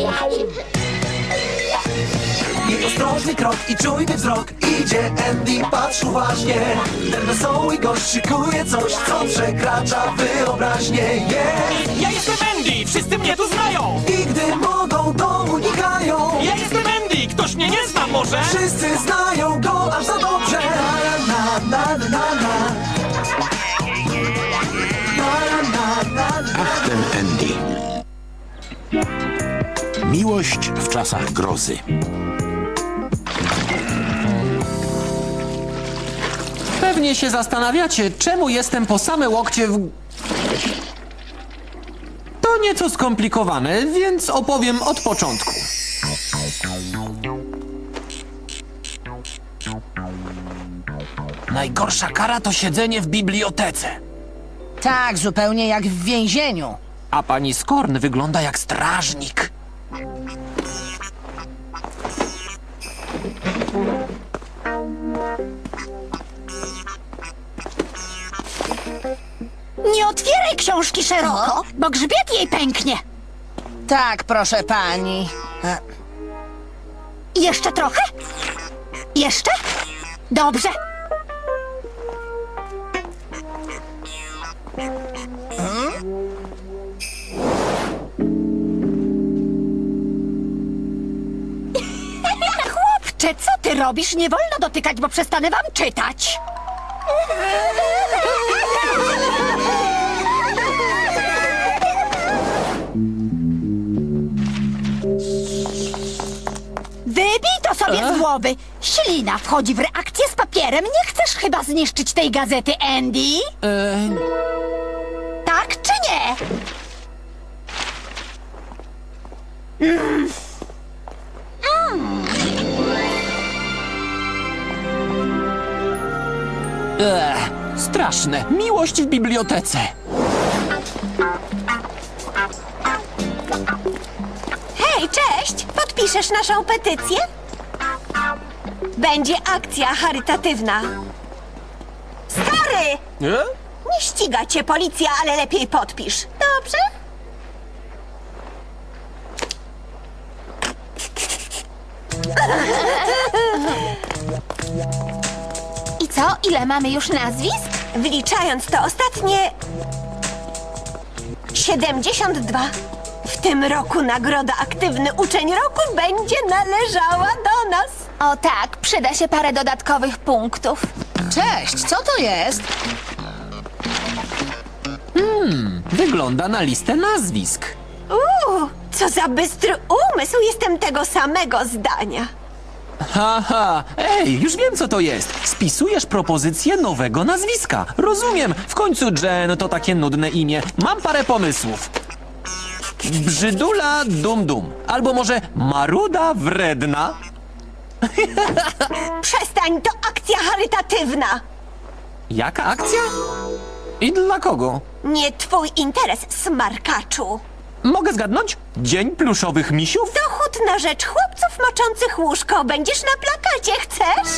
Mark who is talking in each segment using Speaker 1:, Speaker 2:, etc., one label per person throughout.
Speaker 1: I ostrożny krok i czujny wzrok. Idzie Andy, patrz uważnie. Ten wesoły gość szykuje coś, co przekracza wyobraźnię.
Speaker 2: Ja jestem Andy, wszyscy mnie tu znają.
Speaker 1: I gdy mogą, to unikają.
Speaker 2: Ja jestem Andy, ktoś mnie nie zna może?
Speaker 1: Wszyscy znają go aż za dobrze. Na, na, na, na, na.
Speaker 3: Ach, ten Andy. Miłość w czasach grozy.
Speaker 4: Pewnie się zastanawiacie, czemu jestem po same łokcie w... To nieco skomplikowane, więc opowiem od początku. Najgorsza kara to siedzenie w bibliotece.
Speaker 5: Tak, zupełnie jak w więzieniu.
Speaker 4: A pani Skorn wygląda jak strażnik.
Speaker 6: Nie otwieraj książki szeroko, bo grzbiet jej pęknie.
Speaker 5: Tak, proszę pani.
Speaker 6: Jeszcze trochę? Jeszcze? Dobrze. Chłopcze, co ty robisz? Nie wolno dotykać, bo przestanę wam czytać. Wybij to sobie z głowy. Ślina wchodzi w reakcję z papierem. Nie chcesz chyba zniszczyć tej gazety, Andy? Tak czy nie?
Speaker 4: Straszne. Miłość w bibliotece.
Speaker 7: Hej, cześć! Podpiszesz naszą petycję? Będzie akcja charytatywna. Stary! Nie ściga cię policja, ale lepiej podpisz. Dobrze?
Speaker 6: I co? Ile mamy już nazwisk?
Speaker 7: Wliczając to ostatnie... 72. W tym roku nagroda Aktywny Uczeń Roku będzie należała do nas.
Speaker 6: O tak, przyda się parę dodatkowych punktów.
Speaker 5: Cześć, co to jest?
Speaker 4: Wygląda na listę nazwisk.
Speaker 7: Co za bystry umysł, jestem tego samego zdania.
Speaker 4: Haha, ej, już wiem co to jest. Spisujesz propozycję nowego nazwiska. Rozumiem, w końcu Jen to takie nudne imię. Mam parę pomysłów. Brzydula Dum Dum. Albo może Maruda Wredna.
Speaker 7: Przestań, to akcja charytatywna.
Speaker 4: Jaka akcja? I dla kogo?
Speaker 7: Nie twój interes, smarkaczu.
Speaker 4: Mogę zgadnąć? Dzień pluszowych misiów?
Speaker 7: Dochód na rzecz chłopców moczących łóżko. Będziesz na plakacie, chcesz?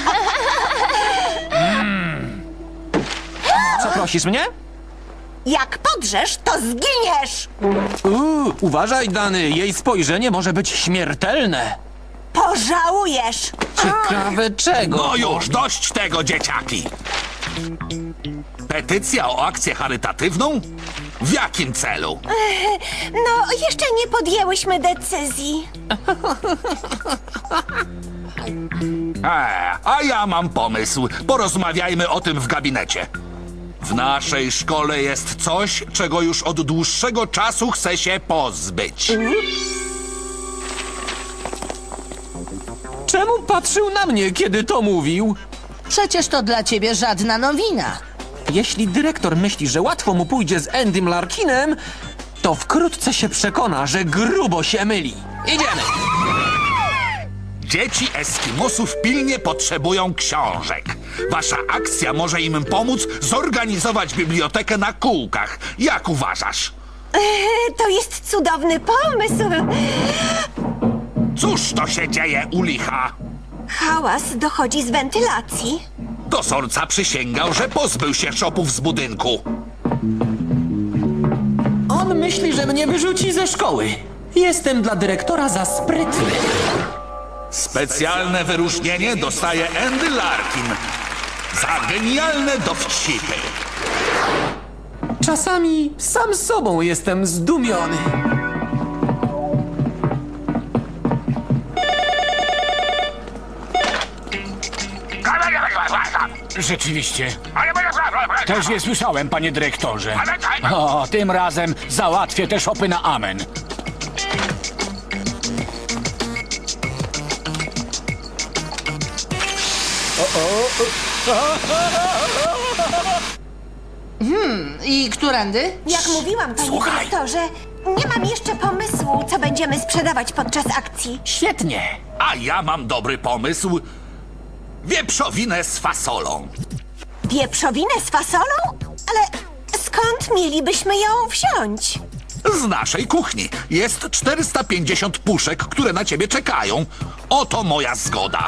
Speaker 4: Przeprosisz mnie?
Speaker 7: Jak podrzesz, to zginiesz.
Speaker 4: Uważaj, Dany, jej spojrzenie może być śmiertelne.
Speaker 7: Pożałujesz.
Speaker 4: Ciekawe czego?
Speaker 3: No już, dość tego, dzieciaki! Petycja o akcję charytatywną? W jakim celu?
Speaker 7: No, jeszcze nie podjęłyśmy decyzji.
Speaker 3: A ja mam pomysł. Porozmawiajmy o tym w gabinecie. W naszej szkole jest coś, czego już od dłuższego czasu chcę się pozbyć.
Speaker 4: Czemu patrzył na mnie, kiedy to mówił?
Speaker 5: Przecież to dla ciebie żadna nowina.
Speaker 4: Jeśli dyrektor myśli, że łatwo mu pójdzie z Andym Larkinem, to wkrótce się przekona, że grubo się myli. Idziemy!
Speaker 3: Dzieci Eskimosów pilnie potrzebują książek. Wasza akcja może im pomóc zorganizować bibliotekę na kółkach. Jak uważasz?
Speaker 7: To jest cudowny pomysł.
Speaker 3: Cóż to się dzieje u licha?
Speaker 7: Hałas dochodzi z wentylacji.
Speaker 3: Dozorca przysięgał, że pozbył się szopów z budynku.
Speaker 4: On myśli, że mnie wyrzuci ze szkoły. Jestem dla dyrektora za sprytny.
Speaker 3: Specjalne wyróżnienie dostaje Andy Larkin za genialne dowcipy.
Speaker 4: Czasami sam z sobą jestem zdumiony.
Speaker 2: Rzeczywiście. Też je słyszałem, panie dyrektorze. O, tym razem załatwię te szopy na amen.
Speaker 5: I którędy?
Speaker 7: Jak mówiłam, panie
Speaker 2: Słuchaj.
Speaker 7: dyrektorze, nie mam jeszcze pomysłu, co będziemy sprzedawać podczas akcji.
Speaker 2: Świetnie.
Speaker 3: A ja mam dobry pomysł. Wieprzowinę z fasolą.
Speaker 7: Wieprzowinę z fasolą? Ale skąd mielibyśmy ją wziąć?
Speaker 3: Z naszej kuchni. Jest 450 puszek, które na ciebie czekają. Oto moja zgoda.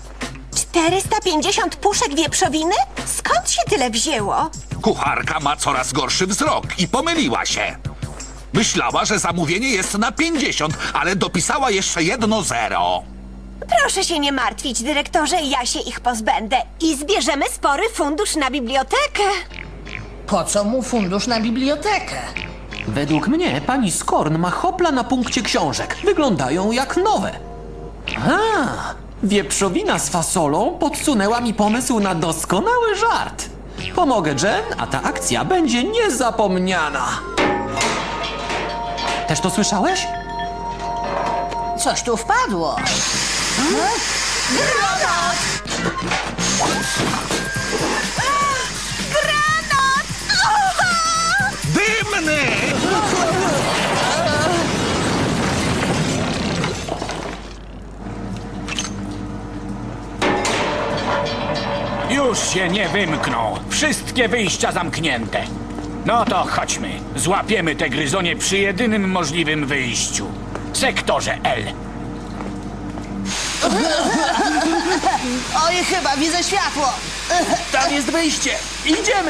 Speaker 7: 450 puszek wieprzowiny? Skąd się tyle wzięło?
Speaker 3: Kucharka ma coraz gorszy wzrok i pomyliła się. Myślała, że zamówienie jest na 50, ale dopisała jeszcze 1 zero.
Speaker 7: Proszę się nie martwić, dyrektorze, ja się ich pozbędę i zbierzemy spory fundusz na bibliotekę.
Speaker 5: Po co mu fundusz na bibliotekę?
Speaker 4: Według mnie pani Skorn ma hopla na punkcie książek. Wyglądają jak nowe. A, wieprzowina z fasolą podsunęła mi pomysł na doskonały żart. Pomogę Jen, a ta akcja będzie niezapomniana. Też to słyszałeś?
Speaker 5: Coś tu wpadło.
Speaker 3: Dymny!
Speaker 2: Już się nie wymkną. Wszystkie wyjścia zamknięte. No to chodźmy. Złapiemy te gryzonie przy jedynym możliwym wyjściu. Sektorze L.
Speaker 5: Oj, chyba widzę światło.
Speaker 4: Tam jest wyjście. Idziemy!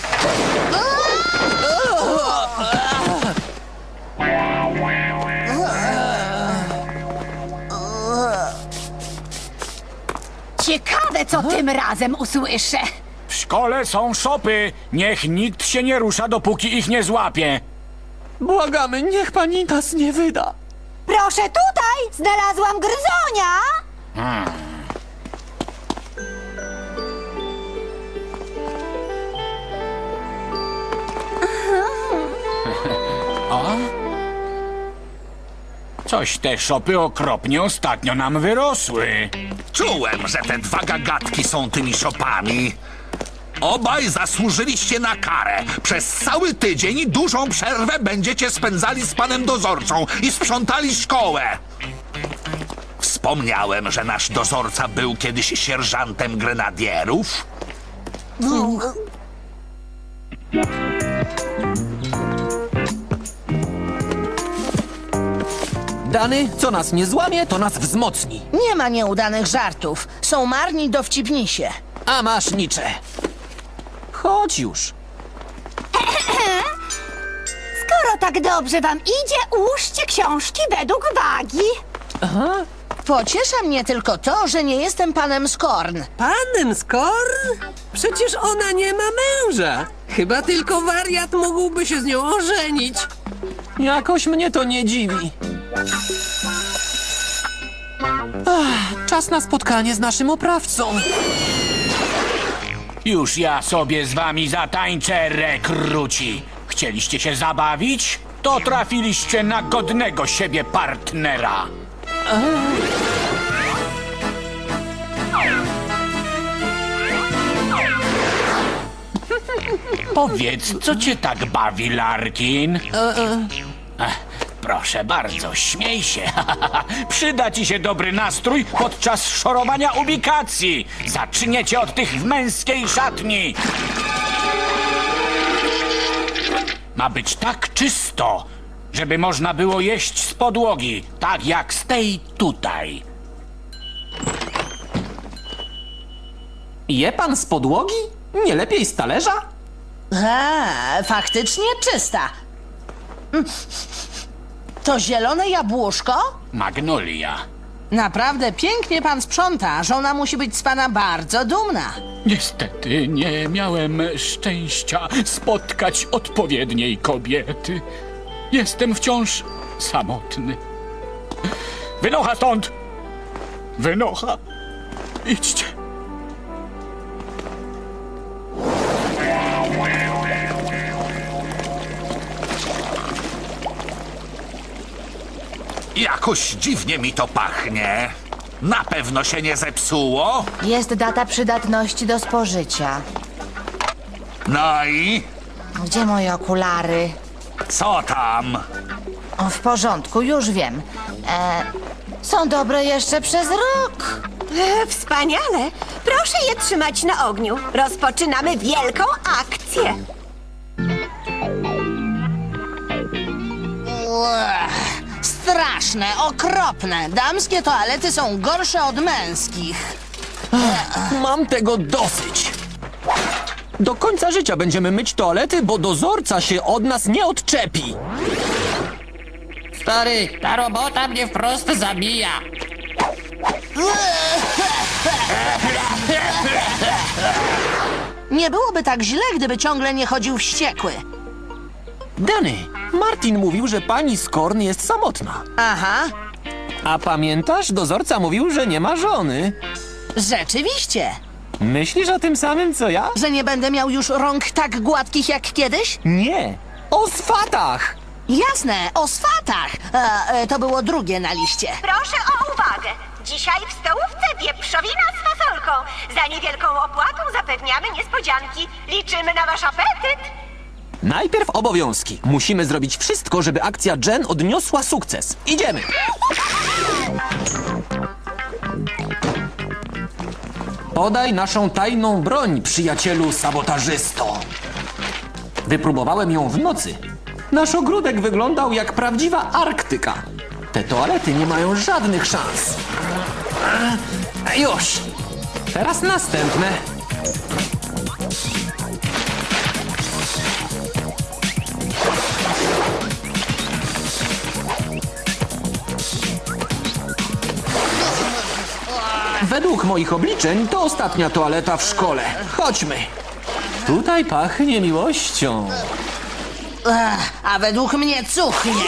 Speaker 6: Ciekawe, co tym razem usłyszę.
Speaker 2: W szkole są szopy. Niech nikt się nie rusza, dopóki ich nie złapie.
Speaker 4: Błagamy, niech pani nas nie wyda.
Speaker 6: Proszę tutaj, znalazłam gryzonia.
Speaker 2: Coś te szopy okropnie ostatnio nam wyrosły.
Speaker 3: Czułem, że te dwa gagatki są tymi szopami. Obaj zasłużyliście na karę. Przez cały tydzień dużą przerwę będziecie spędzali z panem dozorcą i sprzątali szkołę. Wspomniałem, że nasz dozorca był kiedyś sierżantem grenadierów.
Speaker 4: Dany, co nas nie złamie, to nas wzmocni.
Speaker 5: Nie ma nieudanych żartów. Są marni dowcipnisie.
Speaker 4: A masz nicze. Chodź już.
Speaker 6: Skoro tak dobrze wam idzie, ułóżcie książki według wagi.
Speaker 5: Pociesza mnie tylko to, że nie jestem panem Skorn.
Speaker 8: Panem Skorn? Przecież ona nie ma męża. Chyba tylko wariat mógłby się z nią ożenić.
Speaker 4: Jakoś mnie to nie dziwi. Czas na spotkanie z naszym oprawcą.
Speaker 2: Już ja sobie z wami zatańczę, rekruci. Chcieliście się zabawić? To trafiliście na godnego siebie partnera. Powiedz, co cię tak bawi, Larkin? Proszę bardzo, śmiej się. Przyda ci się dobry nastrój podczas szorowania ubikacji. Zaczniecie od tych w męskiej szatni. Ma być tak czysto, żeby można było jeść z podłogi, tak jak z tej tutaj.
Speaker 4: Je pan z podłogi? Nie lepiej z talerza?
Speaker 5: Faktycznie czysta. To zielone jabłuszko?
Speaker 2: Magnolia.
Speaker 5: Naprawdę pięknie pan sprząta. Żona musi być z pana bardzo dumna.
Speaker 2: Niestety nie miałem szczęścia spotkać odpowiedniej kobiety. Jestem wciąż samotny. Wynocha stąd! Wynocha! Idźcie!
Speaker 3: Jakoś dziwnie mi to pachnie. Na pewno się nie zepsuło.
Speaker 5: Jest data przydatności do spożycia.
Speaker 3: No i
Speaker 5: Gdzie moje okulary?
Speaker 3: co tam?
Speaker 5: O, w porządku, już wiem. Są dobre jeszcze przez rok.
Speaker 7: Wspaniale! Proszę je trzymać na ogniu. Rozpoczynamy wielką akcję.
Speaker 5: Straszne, okropne. Damskie toalety są gorsze od męskich.
Speaker 4: Mam tego dosyć. Do końca życia będziemy myć toalety, bo dozorca się od nas nie odczepi. Stary, ta robota mnie wprost zabija.
Speaker 5: Nie byłoby tak źle, gdyby ciągle nie chodził wściekły.
Speaker 4: Danny, Martin mówił, że pani Skorn jest samotna.
Speaker 5: Aha,
Speaker 4: A pamiętasz, dozorca mówił, że nie ma żony.
Speaker 5: rzeczywiście.
Speaker 4: Myślisz o tym samym, co ja?
Speaker 5: Że nie będę miał już rąk tak gładkich jak kiedyś?
Speaker 4: Nie. O swatach!
Speaker 5: Jasne, o swatach. To było drugie na liście.
Speaker 6: Proszę o uwagę. Dzisiaj w stołówce wieprzowina z fasolką. Za niewielką opłatą zapewniamy niespodzianki. Liczymy na wasz apetyt.
Speaker 4: Najpierw obowiązki. Musimy zrobić wszystko, żeby akcja Jen odniosła sukces. Idziemy! Podaj naszą tajną broń, przyjacielu sabotażysto. Wypróbowałem ją w nocy. Nasz ogródek wyglądał jak prawdziwa Arktyka. Te toalety nie mają żadnych szans. Już! Teraz następne. Według moich obliczeń to ostatnia toaleta w szkole. Chodźmy. Tutaj pachnie miłością.
Speaker 5: A według mnie cuchnie.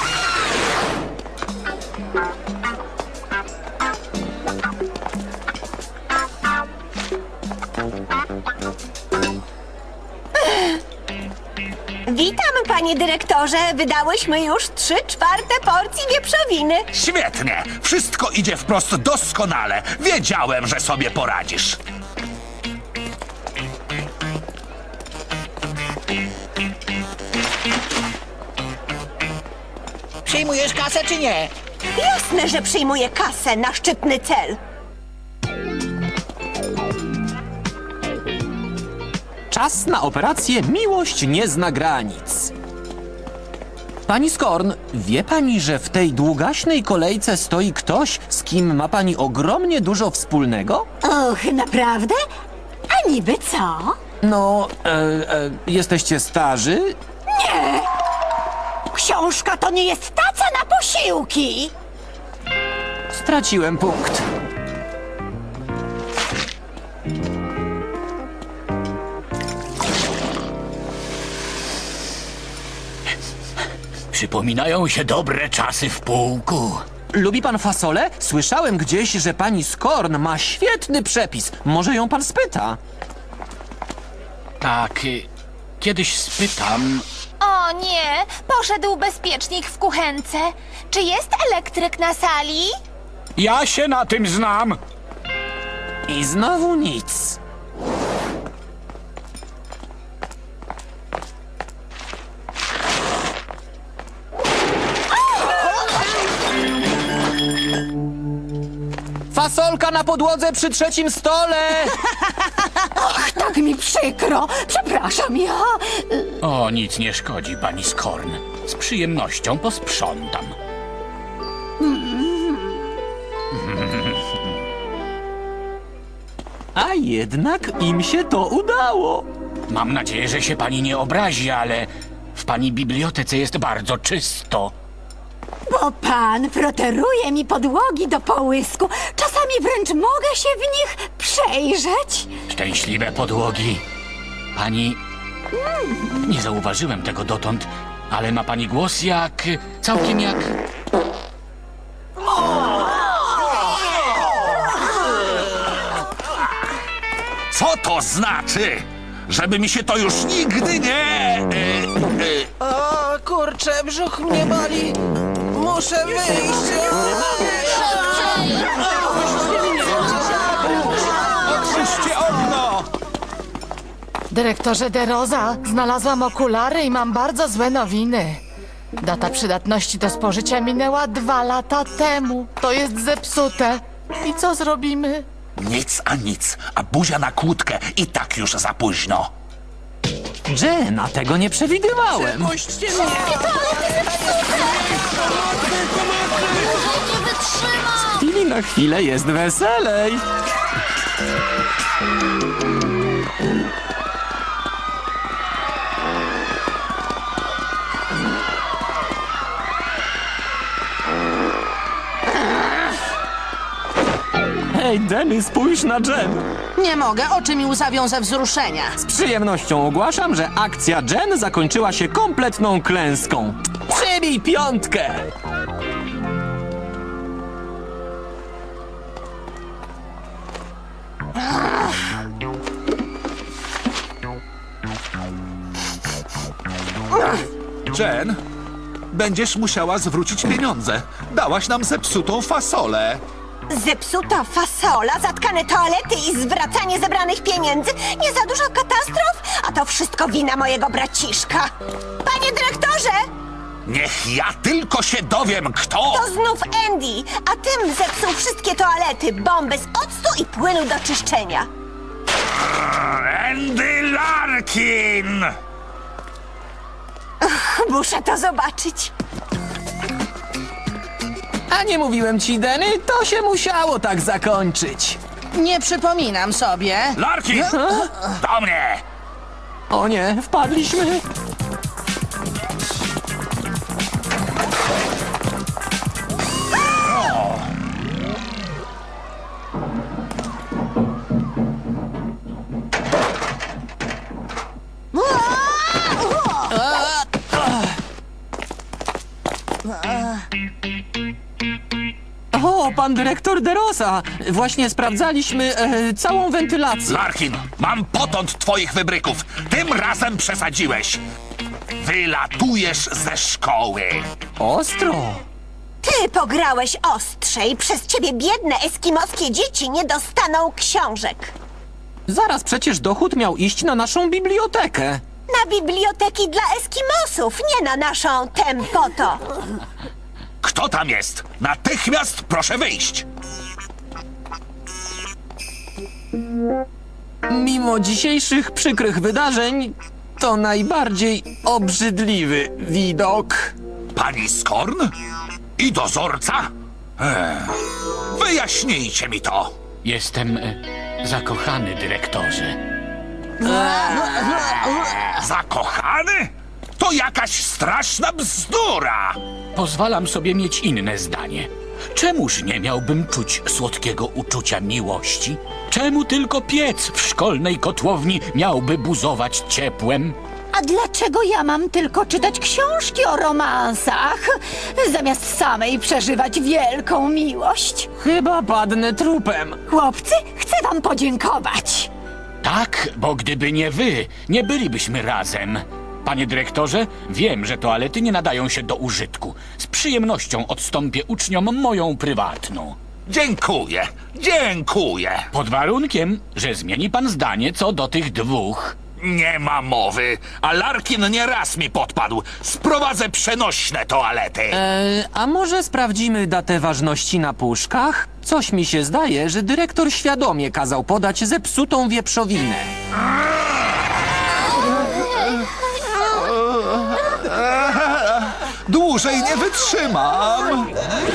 Speaker 7: Witam, panie dyrektorze. Wydałyśmy już 3/4 porcji wieprzowiny.
Speaker 3: Świetnie! Wszystko idzie wprost doskonale. Wiedziałem, że sobie poradzisz.
Speaker 2: Przyjmujesz kasę czy nie?
Speaker 7: Jasne, że przyjmuję kasę na szczytny cel.
Speaker 4: Czas na operację Miłość nie zna granic. Pani Skorn, wie pani, że w tej długaśnej kolejce stoi ktoś, z kim ma pani ogromnie dużo wspólnego?
Speaker 6: Och, naprawdę? A niby co?
Speaker 4: No, jesteście starzy?
Speaker 6: Książka to nie jest taca na posiłki.
Speaker 4: Straciłem punkt.
Speaker 2: Przypominają się dobre czasy w pułku.
Speaker 4: Lubi pan fasolę? Słyszałem gdzieś, że pani Skorn ma świetny przepis. Może ją pan spyta?
Speaker 2: Tak, kiedyś spytam.
Speaker 9: O nie, poszedł bezpiecznik w kuchence. Czy jest elektryk na sali?
Speaker 2: Ja się na tym znam.
Speaker 4: I znowu nic. Fasolka na podłodze przy trzecim stole!
Speaker 6: Tak mi przykro. Przepraszam, ja...
Speaker 2: O, nic nie szkodzi, pani Skorn. Z przyjemnością posprzątam.
Speaker 4: A jednak im się to udało.
Speaker 2: Mam nadzieję, że się pani nie obrazi, ale w pani bibliotece jest bardzo czysto.
Speaker 7: Bo pan proteruje mi podłogi do połysku. Czasami wręcz mogę się w nich przejrzeć.
Speaker 2: Szczęśliwe podłogi. Pani... Nie zauważyłem tego dotąd, ale ma pani głos jak... całkiem jak...
Speaker 3: Co to znaczy? Żeby mi się to już nigdy nie...
Speaker 8: O, kurczę, brzuch mnie boli. Muszę wyjść.
Speaker 3: Otwórzcie okno!
Speaker 5: Dyrektorze De Rosa, znalazłam okulary i mam bardzo złe nowiny. Data przydatności do spożycia minęła 2 lata temu. To jest zepsute. I co zrobimy?
Speaker 3: Nic a nic, a buzia na kłódkę i tak już za późno.
Speaker 4: Jenna, tego nie przewidywałem.
Speaker 8: Puśćcie mnie.
Speaker 4: Z chwili na chwilę jest weselej. Hej, Denny, spójrz na Jen.
Speaker 10: Nie mogę, oczy mi łzawią ze wzruszenia.
Speaker 4: Z przyjemnością ogłaszam, że akcja Jen zakończyła się kompletną klęską. Przybij 5!
Speaker 3: Jen, będziesz musiała zwrócić pieniądze. Dałaś nam zepsutą fasolę.
Speaker 7: Zepsuta fasola, zatkane toalety i zwracanie zebranych pieniędzy. Nie za dużo katastrof? A to wszystko wina mojego braciszka. Panie dyrektorze,
Speaker 3: Niech ja tylko się dowiem, kto...
Speaker 7: to znów Andy, a tym zepsuł wszystkie toalety, bomby z octu i płynu do czyszczenia.
Speaker 3: Andy Larkin!
Speaker 7: Muszę to zobaczyć.
Speaker 4: A nie mówiłem ci, Denny? To się musiało tak zakończyć.
Speaker 10: Nie przypominam sobie.
Speaker 3: Larkin! Do mnie!
Speaker 4: O nie, wpadliśmy. O, pan dyrektor De Rosa. Właśnie sprawdzaliśmy całą wentylację.
Speaker 3: Larkin, mam potąd twoich wybryków. Tym razem przesadziłeś. Wylatujesz ze szkoły.
Speaker 4: Ostro.
Speaker 7: Ty pograłeś ostrzej, przez ciebie biedne eskimoskie dzieci nie dostaną książek.
Speaker 4: Zaraz przecież dochód miał iść na naszą bibliotekę.
Speaker 7: Na biblioteki dla eskimosów, nie na naszą tempoto.
Speaker 3: Kto tam jest? Natychmiast proszę wyjść.
Speaker 4: Mimo dzisiejszych przykrych wydarzeń, to najbardziej obrzydliwy widok.
Speaker 3: Pani Skorn? I dozorca? Wyjaśnijcie mi to.
Speaker 2: Jestem zakochany, dyrektorze.
Speaker 3: Zakochany? To jakaś straszna bzdura.
Speaker 2: Pozwalam sobie mieć inne zdanie. Czemuż nie miałbym czuć słodkiego uczucia miłości? Czemu tylko piec w szkolnej kotłowni miałby buzować ciepłem?
Speaker 7: A dlaczego ja mam tylko czytać książki o romansach, zamiast samej przeżywać wielką miłość?
Speaker 4: Chyba padnę trupem.
Speaker 7: Chłopcy, chcę wam podziękować.
Speaker 2: Tak, bo gdyby nie wy, nie bylibyśmy razem. Panie dyrektorze, wiem, że toalety nie nadają się do użytku. Z przyjemnością odstąpię uczniom moją prywatną.
Speaker 3: Dziękuję, dziękuję.
Speaker 2: Pod warunkiem, że zmieni pan zdanie co do tych dwóch.
Speaker 3: Nie ma mowy, a Larkin nie raz mi podpadł. Sprowadzę przenośne toalety.
Speaker 4: A może sprawdzimy datę ważności na puszkach? Coś mi się zdaje, że dyrektor świadomie kazał podać zepsutą wieprzowinę.
Speaker 3: Dłużej nie wytrzymam.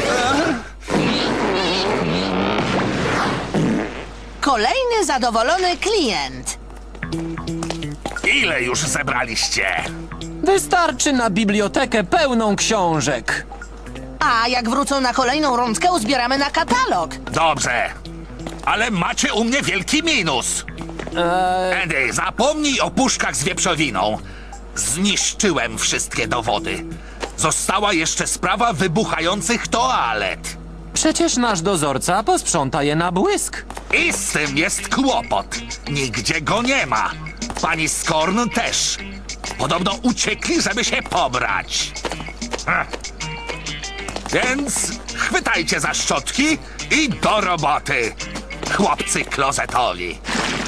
Speaker 10: Kolejny zadowolony klient.
Speaker 3: Ile już zebraliście?
Speaker 4: Wystarczy na bibliotekę pełną książek.
Speaker 10: A jak wrócą na kolejną rundkę, uzbieramy na katalog.
Speaker 3: Dobrze, ale macie u mnie wielki minus. Andy, zapomnij o puszkach z wieprzowiną. Zniszczyłem wszystkie dowody. Została jeszcze sprawa wybuchających toalet.
Speaker 4: Przecież nasz dozorca posprząta je na błysk.
Speaker 3: I z tym jest kłopot. Nigdzie go nie ma. Pani Skorn też. Podobno uciekli, żeby się pobrać. Więc chwytajcie za szczotki i do roboty, chłopcy klozetowi.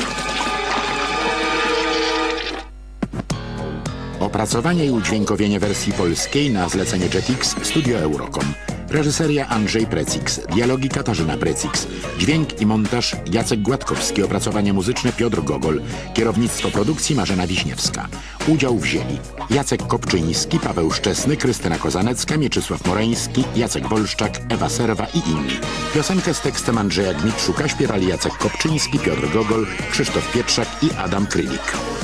Speaker 11: Opracowanie i udźwiękowienie wersji polskiej na zlecenie Jetix Studio Eurocom. Reżyseria Andrzej Precix, dialogi Katarzyna Precix, dźwięk i montaż Jacek Gładkowski, opracowanie muzyczne Piotr Gogol, kierownictwo produkcji Marzena Wiśniewska. Udział wzięli Jacek Kopczyński, Paweł Szczesny, Krystyna Kozanecka, Mieczysław Moreński, Jacek Wolszczak, Ewa Serwa i inni. Piosenkę z tekstem Andrzeja Gmitrzuka śpiewali Jacek Kopczyński, Piotr Gogol, Krzysztof Pietrzak i Adam Krylik.